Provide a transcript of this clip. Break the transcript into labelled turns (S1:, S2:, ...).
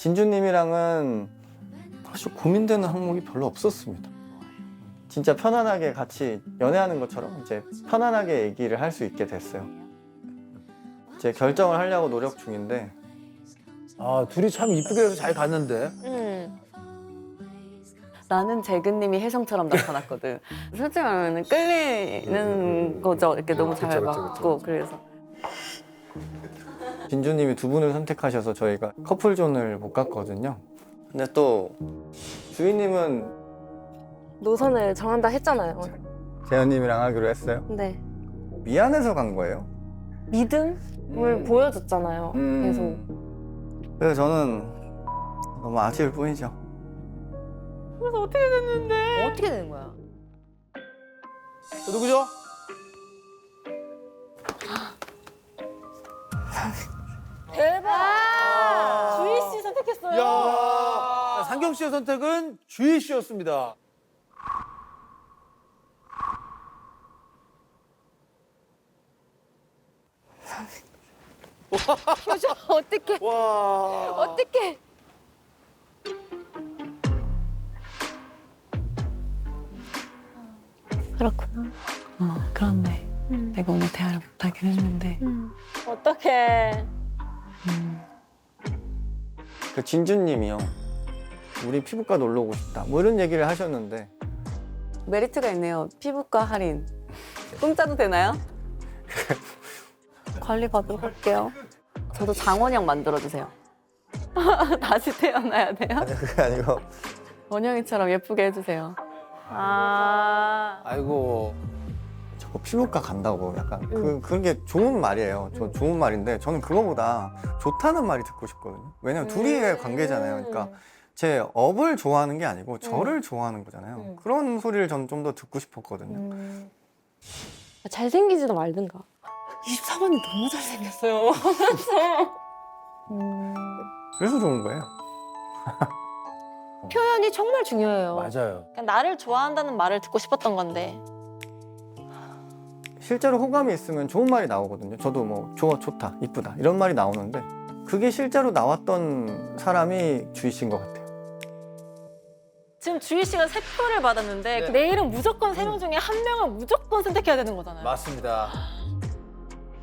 S1: 진주님이랑은 사실 고민되는 항목이 별로 없었습니다. 진짜 편안하게 같이 연애하는 것처럼 이제 편안하게 얘기를 할 수 있게 됐어요. 이제 결정을 하려고 노력 중인데
S2: 아, 둘이 참 이쁘게 해서 잘 갔는데.
S3: 나는 재근님이 혜성처럼 나타났거든. 솔직히 말하면 끌리는 거죠. 이렇게 너무 잘
S2: 그쵸, 그쵸,
S3: 맞고 그래서.
S1: 진주님이 두 분을 선택하셔서 저희가 커플존을 못 갔거든요. 근데 또 주인님은
S4: 노선을 정한다 했잖아요.
S1: 재현님이랑 하기로 했어요.
S4: 근데
S1: 미안해서 간 거예요.
S4: 믿음을 보여줬잖아요. 계속.
S1: 그래서 저는 너무 아쉬울 뿐이죠.
S3: 그래서 어떻게 됐는데?
S5: 어떻게 되는 거야?
S2: 누구죠?
S5: 대박! 주희 씨 선택했어요.
S2: 야, 상경 씨의 선택은 주희 씨였습니다.
S5: 표정 어떻게?
S2: 와.
S5: 어떻게?
S4: 그렇구나.
S3: 그렇네. 내가 오늘 대화를 못하긴 했는데.
S5: 어떻게?
S1: 그 진주님이요. 우리 피부과 놀러 오고 싶다. 뭐 이런 얘기를 하셨는데
S3: 메리트가 있네요. 피부과 할인. 공짜도 되나요? 관리 받으러 갈게요. 저도 장원영 만들어주세요. 다시 태어나야 돼요?
S1: 아니 그게 아니고
S3: 원영이처럼 예쁘게 해주세요.
S2: 아이고.
S1: 저거 피부과 간다고 약간 그런 게 좋은 말이에요. 좋은 말인데 저는 그거보다 좋다는 말이 듣고 싶거든요. 왜냐면 둘이의 관계잖아요. 그러니까 제 업을 좋아하는 게 아니고 저를 좋아하는 거잖아요. 그런 소리를 저는 좀 더 듣고 싶었거든요.
S4: 잘생기지도 말든가.
S5: 24번이 너무 잘생겼어요.
S1: 그래서 좋은 거예요.
S5: 표현이 정말 중요해요.
S2: 맞아요.
S5: 그냥 나를 좋아한다는 말을 듣고 싶었던 건데.
S1: 실제로 호감이 있으면 좋은 말이 나오거든요. 저도 뭐 좋다, 이쁘다 이런 말이 나오는데 그게 실제로 나왔던 사람이 주희 씨인 것 같아요.
S5: 지금 주희 씨가 3표를 받았는데
S2: 네.
S5: 내일은 무조건 3명 중에 1명을 무조건 선택해야 되는 거잖아요.
S2: 맞습니다.